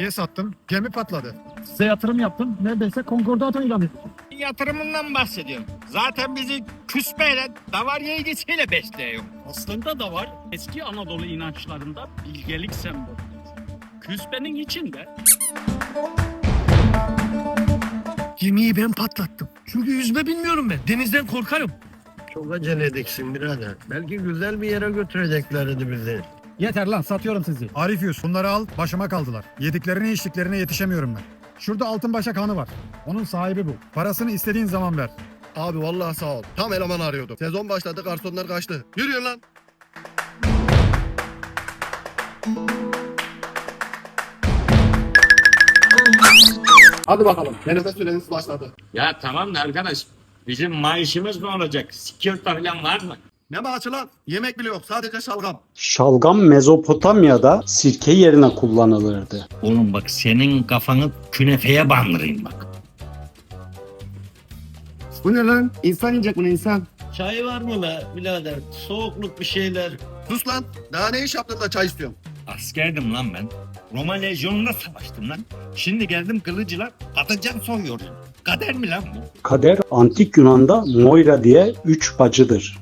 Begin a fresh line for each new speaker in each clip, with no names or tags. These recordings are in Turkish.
Gemiye sattım, gemi patladı.
Size yatırım yaptım. Neredeyse konkordato ilan ettim.
Yatırımından bahsediyorum. Zaten bizi küsmeyle, davar yeğgisiyle besliyor.
Aslında da var. Eski Anadolu inançlarında bilgelik sembolü. Küspenin içinde
Gemiyi ben patlattım. Çünkü yüzme bilmiyorum ben. Denizden korkarım.
Çok acele ediksin birader. Belki güzel bir yere götüreceklerdi bizi.
yeter lan, satıyorum sizi.
Arifyus, bunları al, başıma kaldılar. Yediklerine içtiklerine yetişemiyorum ben. Şurada Altınbaşak Hanı var. Onun sahibi bu. Parasını istediğin zaman ver.
Abi vallahi sağ ol. Tam eleman arıyordum. Sezon başladı, garsonlar kaçtı. Yürüyün lan. Hadi bakalım. Denizde süreniz başladı.
Ya tamam da arkadaş, bizim maaşımız ne olacak? Sikirta falan var mı?
Ne maaşı lan? Yemek bile yok. Sadece şalgam.
Şalgam Mezopotamya'da sirke yerine kullanılırdı.
Oğlum bak, senin kafanı künefeye bandırayım bak.
Bu ne lan? İnsan yiyecek bunu insan.
Çay var mı be birader? Soğukluk bir şeyler.
Sus lan. Daha ne iş yaptın da çay istiyorum.
Askerdim lan ben. Roma lejyonunda savaştım lan. Şimdi geldim kılıcılar, patlıcan soyuyorum. Kader mi lan bu?
Kader antik Yunan'da Moira diye 3 bacıdır.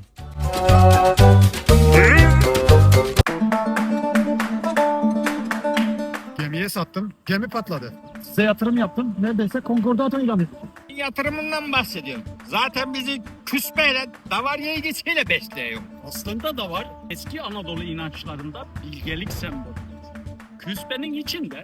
Gemiye sattım, gemi patladı.
Size yatırım yaptım. Neredeyse konkordato ilan ettim.
Yatırımından bahsediyorum. Zaten bizi küsmeyle, davar yeğgisiyle besliyor.
Aslında da var. Eski Anadolu inançlarında bilgelik sembolü. Küspenin içinde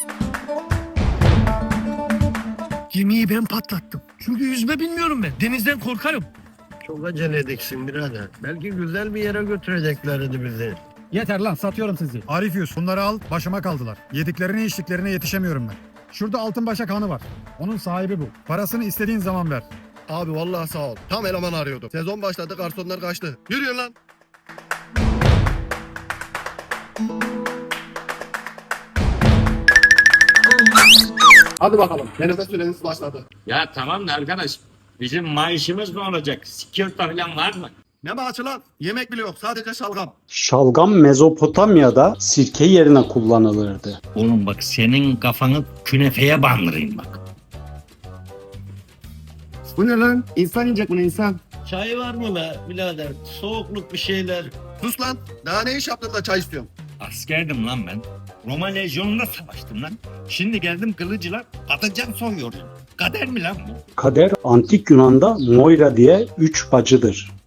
Gemiyi ben patlattım. Çünkü yüzme bilmiyorum ben. Denizden korkarım.
Çok acele ediksin birader. Belki güzel bir yere götüreceklerdi bizi.
yeter lan, satıyorum sizi.
Arifyus, bunları al, başıma kaldılar. Yediklerine içtiklerine yetişemiyorum ben. Şurada Altınbaşak Hanı var. Onun sahibi bu. Parasını istediğin zaman ver.
Abi vallahi sağ ol. Tam eleman arıyordum. Sezon başladı, garsonlar kaçtı. Yürüyün lan. Hadi bakalım. Denizde süreniz başladı.
Ya tamam da arkadaş, bizim maaşımız ne olacak? Sikirta falan var mı?
Ne maaşı lan? Yemek bile yok. Sadece şalgam.
Şalgam Mezopotamya'da sirke yerine kullanılırdı.
Oğlum bak, senin kafanı künefeye bandırayım bak.
Bu ne lan? İnsan yiyecek bunu insan.
Çay var mı be birader? Soğukluk bir şeyler.
Sus lan. Daha ne iş yaptın da çay istiyorum.
Askerdim lan ben. Roma lejyonunda savaştım lan. Şimdi geldim kılıcılar, patlıcan soyuyorum. Kader mi lan bu?
Kader antik Yunan'da Moira diye 3 bacıdır.